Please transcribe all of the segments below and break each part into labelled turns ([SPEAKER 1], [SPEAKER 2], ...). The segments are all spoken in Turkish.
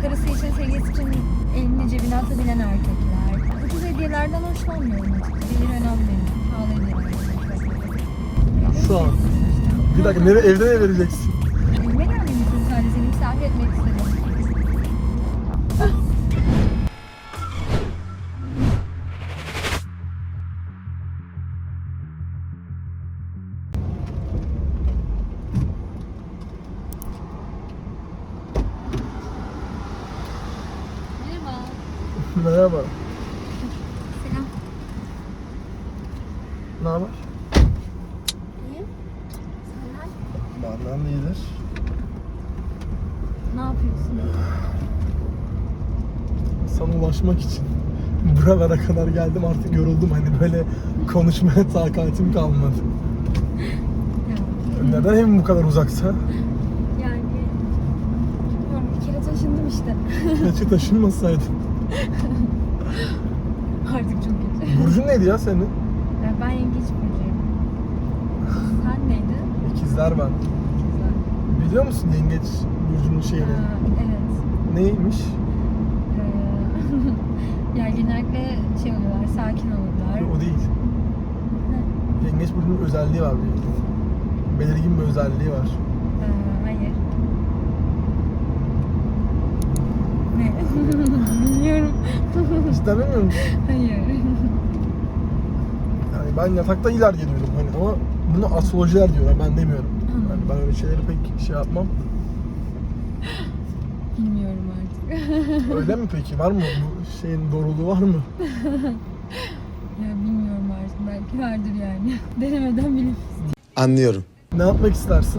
[SPEAKER 1] Karısı için, sevgilisi için elini cebine atabilen erkekler. Ucuz hediyelerden hoşlanmıyorum açıkçası. Gelir önemli benim. Pahalı hediyeler.
[SPEAKER 2] Şu an. Bir dakika, evde ne vereceksin?
[SPEAKER 1] Evime gelmeyi istedim, sadece seni misafir etmek istedim.
[SPEAKER 2] Merhaba.
[SPEAKER 1] Selam.
[SPEAKER 2] Ne haber?
[SPEAKER 1] İyiyim. Senden?
[SPEAKER 2] Benden de iyidir.
[SPEAKER 1] Ne yapıyorsun?
[SPEAKER 2] Sana ulaşmak için buralara kadar geldim, artık yoruldum, hani böyle konuşmaya takatim kalmadı.
[SPEAKER 1] Ya.
[SPEAKER 2] Neden evim bu kadar uzaksa?
[SPEAKER 1] Yani bilmiyorum, bir kere taşındım işte.
[SPEAKER 2] Keşke taşınmasaydın.
[SPEAKER 1] Artık çok kötü.
[SPEAKER 2] Burcun neydi ya senin?
[SPEAKER 1] Ben yengeç burcuyum. Sen neydi?
[SPEAKER 2] İkizler ben.
[SPEAKER 1] İkizler.
[SPEAKER 2] Biliyor musun yengeç burcunun şeyini?
[SPEAKER 1] Evet.
[SPEAKER 2] Neymiş?
[SPEAKER 1] Yani genellikle şey oluyorlar, sakin olurlar.
[SPEAKER 2] O değil. Yengeç burcunun özelliği var bir. Belirgin bir özelliği var.
[SPEAKER 1] Hayır. Ne? Bilmiyorum.
[SPEAKER 2] Cidden bilmiyor musun?
[SPEAKER 1] Hayır.
[SPEAKER 2] Yani ben yatakta iler geliyorum hani, ama bunu astrolojiler diyorlar, ben demiyorum. Yani ben öyle şeyleri pek şey yapmam.
[SPEAKER 1] Bilmiyorum artık.
[SPEAKER 2] Öyle mi peki? Var mı? Bu şeyin doğruluğu var mı?
[SPEAKER 1] Ya bilmiyorum artık. Belki vardır yani. Denemeden bilemem.
[SPEAKER 3] Anlıyorum.
[SPEAKER 2] Ne yapmak istersin?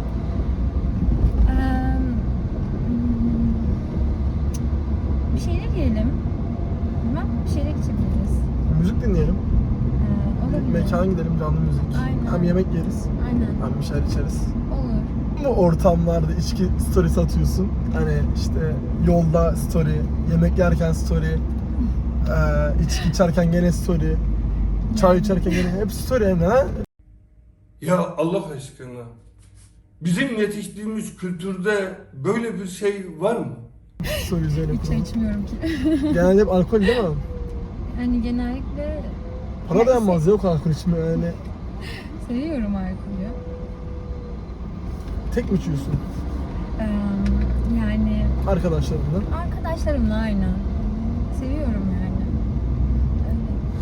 [SPEAKER 1] Bir şeyler yiyelim. Bilmem, bir şeyler içebiliriz.
[SPEAKER 2] Müzik dinleyelim.
[SPEAKER 1] Olabilir.
[SPEAKER 2] Mekana gidelim, canlı müzik.
[SPEAKER 1] Aynen.
[SPEAKER 2] Hem yemek yeriz,
[SPEAKER 1] Aynen.
[SPEAKER 2] hem bir şeyler içeriz.
[SPEAKER 1] Olur.
[SPEAKER 2] Bu ortamlarda içki story'si atıyorsun. Hani işte yolda story, yemek yerken story, içki içerken gene story, çay içerken gene hep story hem de, ha?
[SPEAKER 4] Ya Allah aşkına, bizim yetiştiğimiz kültürde böyle bir şey var mı?
[SPEAKER 2] Story üzerine
[SPEAKER 1] Hiç
[SPEAKER 2] kurulu.
[SPEAKER 1] içmiyorum ki.
[SPEAKER 2] Genelde hep alkol değil mi?
[SPEAKER 1] Hani genellikle
[SPEAKER 2] Para dayanmaz, yok alkol içme yani.
[SPEAKER 1] seviyorum alkolü.
[SPEAKER 2] Tek mi içiyorsun?
[SPEAKER 1] Yani
[SPEAKER 2] Arkadaşlarınla.
[SPEAKER 1] arkadaşlarımla aynen. Seviyorum yani. Öyle.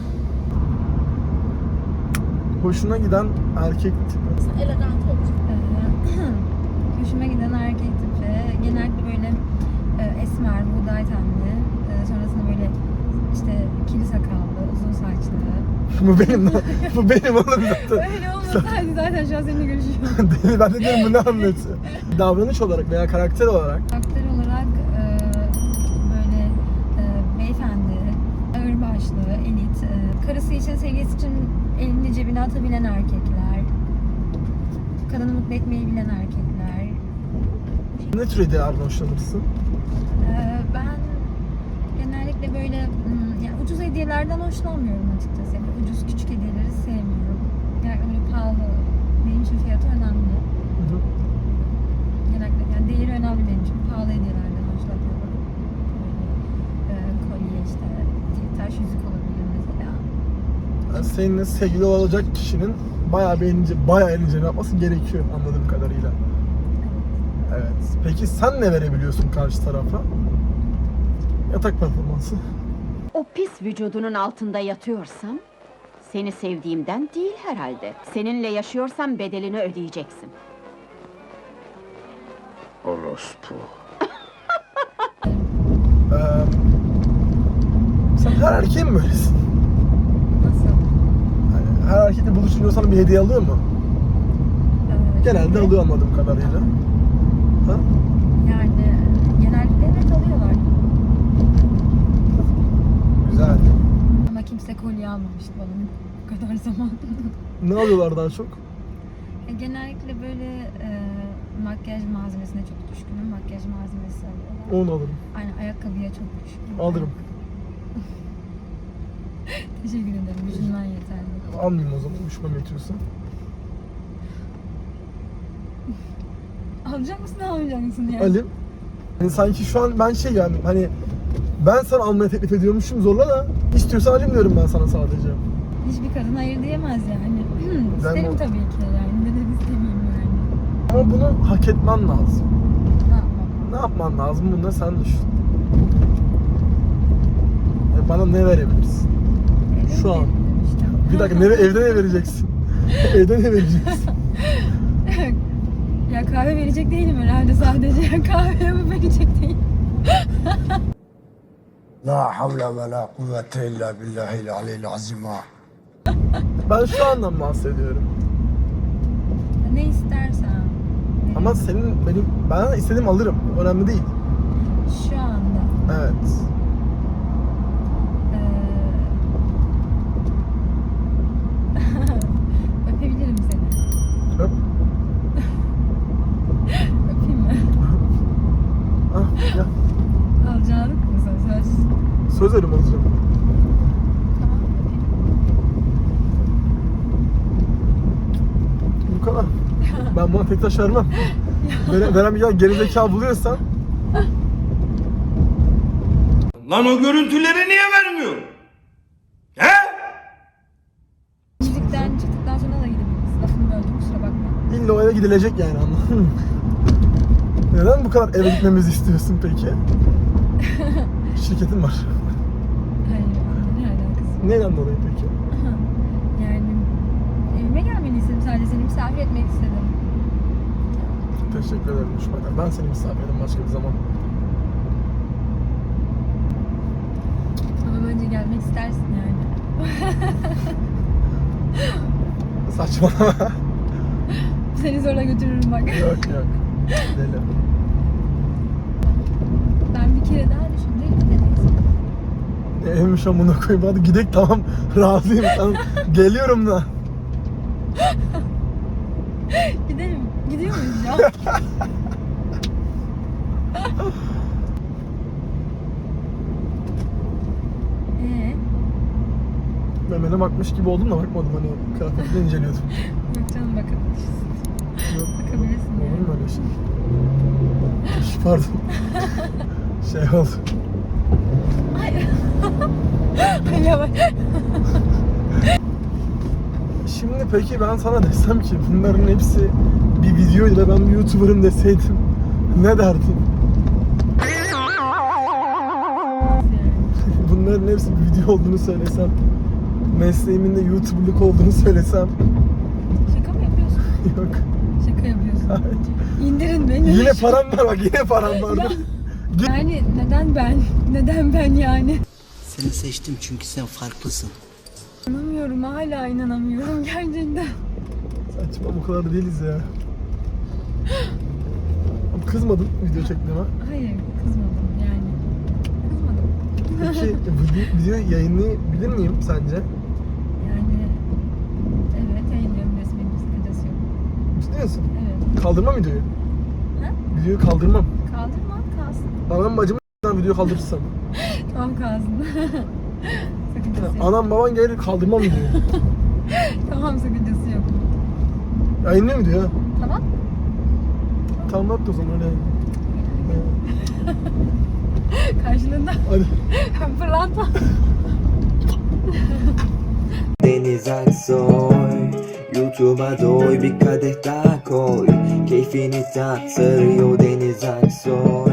[SPEAKER 2] Hoşuna giden erkek tipi.
[SPEAKER 1] Elegant olacak. Hoşuma giden erkek tipi. Genellikle böyle esmer, buğday tenli. Sonrasında böyle işte kili sakallı, uzun saçlı.
[SPEAKER 2] Bu benim bu benim oğlum zaten.
[SPEAKER 1] Öyle olmasaydı zaten şu an seninle görüşüyorum.
[SPEAKER 2] Deli, ben de diyorum bu ne anlatıyor? Davranış olarak veya karakter olarak.
[SPEAKER 1] Karakter olarak böyle beyefendi, ağırbaşlı, elit, karısı için, sevgilisi için elini cebine atabilen erkekler, kadını mutlu etmeyi bilen erkekler.
[SPEAKER 2] Ne tür hediyelerden hoşlanırsın?
[SPEAKER 1] Ben genellikle böyle yani ucuz hediyelerden hoşlanmıyorum açıkçası. Yani ucuz küçük hediyeleri sevmiyorum. Yani öyle pahalı, benim için fiyatı önemli.
[SPEAKER 2] Hı hı.
[SPEAKER 1] Genellikle yani değeri önemli benim için. Pahalı hediyelerden hoşlanıyorum. Böyle kolye işte, taş yüzük olabilir mesela.
[SPEAKER 2] Yani seninle sevgili olacak kişinin bayağı eğlenceli yapması gerekiyor anladığım kadarıyla. Evet. Peki sen ne verebiliyorsun karşı tarafa? Yatak performansı.
[SPEAKER 5] O pis vücudunun altında yatıyorsam, seni sevdiğimden değil herhalde. Seninle yaşıyorsam bedelini ödeyeceksin.
[SPEAKER 3] Orospu.
[SPEAKER 2] Sen her erkeğin mi böylesin?
[SPEAKER 1] Nasıl?
[SPEAKER 2] Yani her erkekle buluşunca sana bir hediye alıyor mu? Genelde alıyor anladığım kadarıyla. Ha?
[SPEAKER 1] Yani genellikle evet alıyorlar.
[SPEAKER 2] Güzel.
[SPEAKER 1] Ama kimse kolye almamıştı bana bu kadar zaman.
[SPEAKER 2] Ne alıyorlar daha çok?
[SPEAKER 1] Genellikle böyle makyaj malzemesine çok düşkünüm. Makyaj malzemesi alıyorlar.
[SPEAKER 2] Onu alırım.
[SPEAKER 1] Aynen, ayakkabıya çok düşkünüm.
[SPEAKER 2] Alırım.
[SPEAKER 1] Teşekkür ederim. Yüzünden yeterli.
[SPEAKER 2] Almayayım o zaman, üşümem yetiyorsa.
[SPEAKER 1] Alacak mısın, almayacak mısın yani?
[SPEAKER 2] Alayım. Hani sanki şu an ben şey yani hani ben sana almaya teklif ediyormuşum zorla da istiyorsan alayım diyorum ben sana sadece.
[SPEAKER 1] Hiçbir kadın hayır diyemez yani. İsterim
[SPEAKER 2] Ben-
[SPEAKER 1] tabii ki yani. Neden istemeyeyim yani.
[SPEAKER 2] Ama bunu hak etmen lazım.
[SPEAKER 1] Ne yapmam?
[SPEAKER 2] Ne yapman lazım bunu da sen düşün. Bana ne verebilirsin? Şu an.
[SPEAKER 1] İşte.
[SPEAKER 2] Bir dakika evde ne vereceksin? Evde ne vereceksin?
[SPEAKER 1] Ya kahve verecek değilim herhalde sadece. Kahve mi verecek değilim?
[SPEAKER 3] La havle ve la kuvvete illa billahil aliyyil azim.
[SPEAKER 2] Ben şu andan bahsediyorum.
[SPEAKER 1] Ne istersen.
[SPEAKER 2] Ama senin ben istediğim alırım. Önemli değil.
[SPEAKER 1] Şu anda.
[SPEAKER 2] Evet.
[SPEAKER 1] Öpebilirim seni.
[SPEAKER 2] Öp.
[SPEAKER 1] Öpeyim mi?
[SPEAKER 2] Ah, ya.
[SPEAKER 1] Alacağlık mı söz?
[SPEAKER 2] Söz verim alacağım.
[SPEAKER 1] Tamam öpeyim.
[SPEAKER 2] Bu kadar. Ben buna tek taş vermem. Veren bir gerizekalı buluyorsan
[SPEAKER 4] Lan o görüntüleri niye vermiyor? He?
[SPEAKER 1] Çiftlikten çıktıktan sonra da gidebiliriz. Lafını böldüm kusura bakma.
[SPEAKER 2] illa o eve gidilecek yani anladın mı? Neden bu kadar eve gitmemizi istiyorsun peki? Şirketin var.
[SPEAKER 1] Hayır, ne alakası?
[SPEAKER 2] Neyden dolayı peki?
[SPEAKER 1] Yani evime gelmeni istedim sadece seni misafir etmek istedim.
[SPEAKER 2] Teşekkür ederim Düşmanlar. Ben seni misafir ederim başka bir zaman.
[SPEAKER 1] Ama önce gelmek istersin yani.
[SPEAKER 2] Saçmalama.
[SPEAKER 1] Seni zorla götürürüm bak.
[SPEAKER 2] Yok. Deli.
[SPEAKER 1] Ben bir kere daha düşündüm gidemeyiz.
[SPEAKER 2] Evmiş amına koyayım. Hadi gidelim tamam. Razıyım. Tamam. Geliyorum da.
[SPEAKER 1] Gidelim. Gidiyor muyuz ya?
[SPEAKER 2] Memene bakmış gibi oldum da bakmadım hani kıyafetini inceliyordum.
[SPEAKER 1] Yok canım bakabilirsin.
[SPEAKER 2] Yok.
[SPEAKER 1] Bakabilirsin
[SPEAKER 2] Olur
[SPEAKER 1] yani.
[SPEAKER 2] mu öyle şey? Pardon. Şey oldu.
[SPEAKER 1] Yavaş.
[SPEAKER 2] Şimdi peki ben sana desem ki bunların hepsi bir videoydu ve ben bir YouTuber'ım deseydim ne derdin? Bunların hepsi bir video olduğunu söylesem, mesleğimin de YouTuber'lık olduğunu söylesem
[SPEAKER 1] Şaka mı yapıyorsun?
[SPEAKER 2] yok.
[SPEAKER 1] Şaka yapıyorsun.
[SPEAKER 2] Hayır.
[SPEAKER 1] İndirin beni.
[SPEAKER 2] Yine param var bak yine param vardı.
[SPEAKER 1] Yani neden ben? Neden ben yani?
[SPEAKER 6] Seni seçtim çünkü sen farklısın.
[SPEAKER 1] İnanamıyorum hala inanamıyorum gerçekten.
[SPEAKER 2] Saçma bu kadar değiliz ya. Ama kızmadın video çektiğime.
[SPEAKER 1] Hayır kızmadım yani. Kızmadım.
[SPEAKER 2] Peki video yayınlayabilir miyim sence?
[SPEAKER 1] Yani evet yayınlıyorum resmen bir sakıncası yok.
[SPEAKER 2] Ciddi misin?
[SPEAKER 1] Evet.
[SPEAKER 2] Kaldırmam videoyu.
[SPEAKER 1] Ha?
[SPEAKER 2] Videoyu kaldırmam.
[SPEAKER 1] Kaldırma kalsın.
[SPEAKER 2] Anam bacımı video kaldırırsam.
[SPEAKER 1] Tamam kalsın. Sakıncası yok.
[SPEAKER 2] Anam baban gelir kaldırmam videoyu.
[SPEAKER 1] Tamam sakıncası yok.
[SPEAKER 2] Yayınlıyor mu diyor?
[SPEAKER 1] Tamam.
[SPEAKER 2] Tamam ne yaptı o zaman öyle yayın.
[SPEAKER 1] Karşılığında
[SPEAKER 2] Hadi.
[SPEAKER 1] fırlatma.
[SPEAKER 7] Deniz Aksoy, YouTube'a doy bir kadeh daha koy. Keyfini tat sarıyor Deniz Aksoy.